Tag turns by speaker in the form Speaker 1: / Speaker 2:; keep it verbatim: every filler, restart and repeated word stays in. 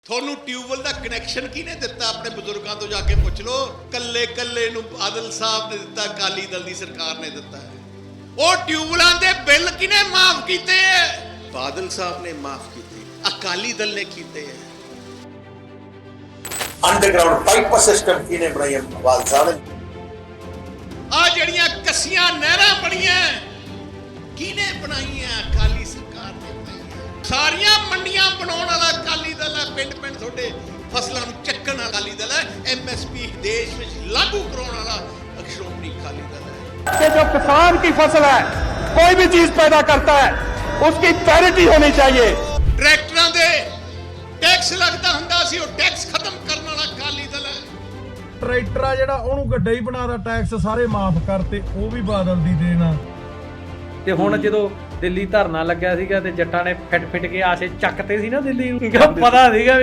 Speaker 1: ਤੁਹਾਨੂੰ ਟਿਊਬਵੈਲ ਦਾ ਕਨੈਕਸ਼ਨ ਕਿਹਨੇ ਦਿੱਤਾ? ਆਪਣੇ ਬਜ਼ੁਰਗਾਂ ਤੋਂ ਜਾ ਕੇ ਪੁੱਛ ਲਓ। ਕੱਲੇ ਕੱਲੇ ਨੂੰ ਬਾਦਲ ਸਾਹਿਬ ਨੇ ਦਿੱਤਾ, ਅਕਾਲੀ ਦਲ ਦੀ ਸਰਕਾਰ ਨੇ ਦਿੱਤਾ ਹੈ। ਉਹ ਟਿਊਬਵੈਲਾਂ ਦੇ ਬਿੱਲ ਕਿਹਨੇ ਮਾਫ ਕੀਤੇ ਹੈ? ਬਾਦਲ ਸਾਹਿਬ ਨੇ ਮਾਫ ਕੀਤੇ, ਅਕਾਲੀ ਦਲ ਨੇ ਕੀਤੇ ਹੈ।
Speaker 2: ਅੰਡਰਗਰਾਉਂਡ ਪਾਈਪ ਸਿਸਟਮ ਕਿਹਨੇ ਬਣਾਇਆ? ਬਾਦਲ ਸਾਹਿਬ ਨੇ।
Speaker 1: ਆ ਜਿਹੜੀਆਂ ਕੱਸੀਆਂ ਨਹਿਰਾਂ ਬਣੀਆਂ ਕਿਹਨੇ ਬਣਾਈਆਂ? ਅਕਾਲੀ ਸਰਕਾਰ ਨੇ ਬਣਾਈਆਂ। ਸਾਰੀਆਂ ਮੰਡੀਆਂ ਬਣਾਉਣ ਵਾਲਾ ਅਕਾਲੀ ਦਲ ਹੈ। ਪਿੰਡ ਪਿੰਡ ਤੁਹਾਡੇ ਫਸਲਾਂ ਨੂੰ ਚੱਕਣ ਵਾਲਾ ਅਕਾਲੀ ਦਲ ਹੈ। ਐਮਐਸਪੀ ਦੇਸ਼ ਵਿੱਚ ਲਾਗੂ ਕਰਾਉਣ ਵਾਲਾ ਸ਼੍ਰੋਮਣੀ ਅਕਾਲੀ ਦਲ ਹੈ।
Speaker 3: कि जो किसान की फसल है, कोई भी चीज पैदा करता है, उसकी पैरिटी होनी चाहिए।
Speaker 1: ਟਰੈਕਟਰਾਂ ਦੇ ਟੈਕਸ ਲੱਗਦਾ ਹੁੰਦਾ ਸੀ, ਉਹ ਟੈਕਸ ਖਤਮ ਕਰਨ ਵਾਲਾ ਅਕਾਲੀ ਦਲ ਹੈ।
Speaker 4: ਟਰੈਕਟਰ ਆ ਜਿਹੜਾ ਉਹਨੂੰ ਗੱਡਾ ਹੀ ਬਣਾਦਾ, ਟੈਕਸ ਸਾਰੇ ਮਾਫ ਕਰਤੇ, ਉਹ ਵੀ ਬਾਦਲ ਦੀ ਦੇਣਾ।
Speaker 5: ਤੇ ਹੁਣ ਜਦੋਂ ਦਿੱਲੀ ਧਰਨਾ ਲੱਗਿਆ ਸੀਗਾ ਤੇ ਜੱਟਾਂ ਨੇ ਫਿੱਟ ਫਿੱਟ ਕੇ ਆਸੇ ਚੱਕਤੇ ਸੀ ਨਾ ਦਿੱਲੀ ਨੂੰ, ਪਤਾ ਸੀਗਾ